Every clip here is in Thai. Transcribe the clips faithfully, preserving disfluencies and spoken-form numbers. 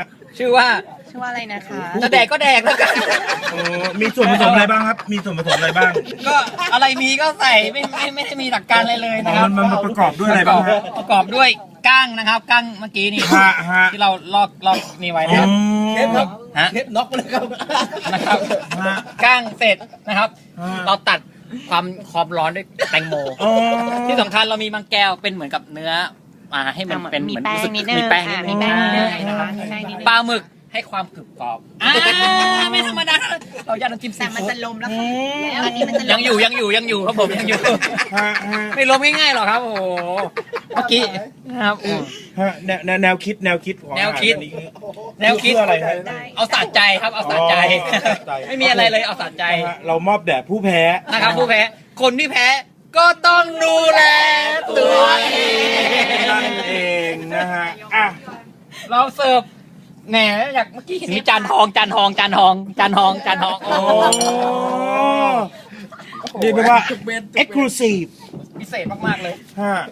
ชื่อว่าชื่อว่าอะไรนะคะจะแดกก็แดกแล้วกันโอ้มีส่วนผสมอะไรบ้างครับ มีส่วนผสมอะไรบ้างก็อะไรมีก็ใส่ไม่ไม่ไม่ได้มีหลักการอะไรเลยนะครับมันมันประกอบด้วยอะไรบ้างฮะประกอบด้วยก้างนะครับก้างเมื่อกี้นี่ฮะฮะที่เราลอกลอกนี่ไว้นะครับเทปครับฮะเทปน็อกเลยครับนะครับฮะก้างเสร็จนะครับฮะเราตัดความความร้อนด้วยแตงโมอ๋อที่สำคัญเรามีมังแก้วเป็นเหมือนกับเนื้อมาให้มันเป็นมีเหมือนแป้งรู้สึกนิดนึงมีแป้งอ่ะนิดนึงมีแป้งนิดนึงใช่นะครับมีแป้งนิดนึงปลาหมึกให้ความกรึบกรอบอ่าไม่ธรรมดาเราอยากน้ำจิ้มซีแต่มันฟู้จะดลมแล้วค่ะแล้วอันนี้มันจะลมยังอยู่ยังอยู่ยังอยู่ครับผมยังอยู่ฮะฮะไม่ล้มง่ายๆหรอกครับโอ้โหเมื่อกี้นะครับฮะแนวแนวแนวคิดแนวคิดของแนวคิดอาหารอันนี้แนวคิดเพื่ออะไรฮะเอาสะใจครับเอาสะใจอ๋อสะใจไม่มีอะไรเลยเอาสะใจนะฮะเรามอบแด่ผู้แพ้นะครับผู้แพ้คนที่แพ้ก็ต้องดูแลตัวเองนั่นเองนะฮะอ่ะเราเสิร์ฟแหมอยากเมื่อกี้เห็นมีจานทองจานทองจานทองจานทองจานทองโอ้โอ้เรียกได้ว่า exclusive พิเศษมากๆเลยฮะ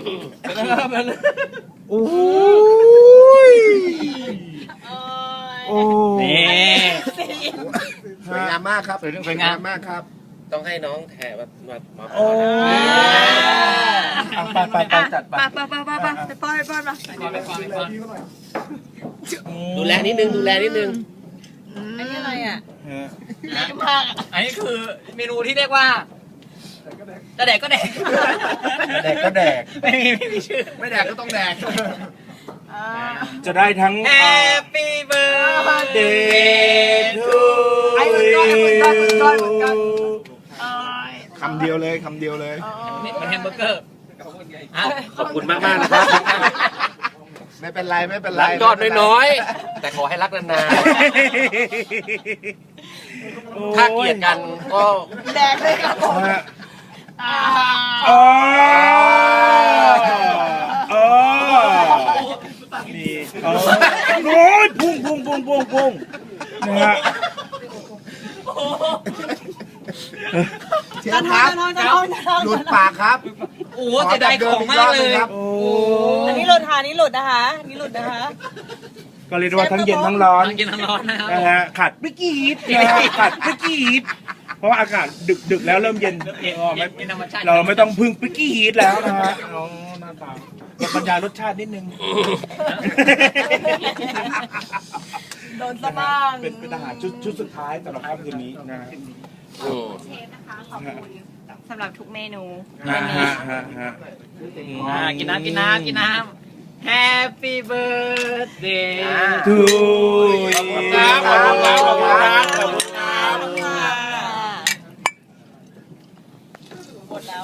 โอ้ยโอ้นี่สวยงามมากครับสวยสวยงามมากครับ ต้องให้น้องแถมามามาโอ้อ่ะไปไปไปจัดไปไปไปไปไปไปป้อนไปป้อนมาไปก่อนไปก่อนดูแลนิดนึงดูแลนิดนึงอันนี้อะไรอ่ะฮะอันนี้คือเมนูที่เรียกว่าจะแดกก็แดกแดกก็แดกไม่มีไม่มีชื่อไม่แดกก็ต้องแดกจะได้ทั้ง Happy birthday to ไอ้มันก้อนมันก้อนมันก้อนมันก้อนคำเดียวเลยคำเดียวเลยมันแฮมเบอร์เกอร์อ่ะขอบคุณมากมากๆนะครับ ไม่เป็นไรไม่เป็นไรรักยอดน้อยๆ แต่ขอให้รักนานๆ ถ้าเกลียดกันก็แดกเลยครับผมฮะอ๋ออ๋อนี่อ๋อโอ้ยพุ่งพุ่งพุ่งพุ่งพุ่งนะฮะเชฟครับหลุดปากครับโอ้โหเสียดายของมากเลยโอ้อันนี้หลุดค่ะอันนี้หลุดนะคะอันนี้หลุดนะคะก็เรียกได้ว่าทั้งเย็นทั้งร้อนทั้งกินทั้งร้อนนะครับนะฮะขาดไม่กี่ฮิตนะฮะขาดไม่กี่ฮิตเพราะว่าอากาศดึกดึกแล้วเริ่มเย็นเย็นอ๋อไม่เย็นธรรมชาติเราไม่ต้องพึ่งปิกกี้ฮีทแล้วนะฮะอ๋อหน้าตาบรรยายรสชาตินิดนึงโดนซะบ้างเป็นเป็นอาหารชุดชุดสุดท้ายสำหรับค่ำคืนนี้นะฮะอืมเชฟนะคะขอบคุณสำหรับทุกเมนูฮะฮะฮะฮะอ่ากินน้ำกินน้ำกินน้ำ Happy birthday ทูขอบคุณครับขอบคุณครับขอบคุณครับขอบคุณค่ะ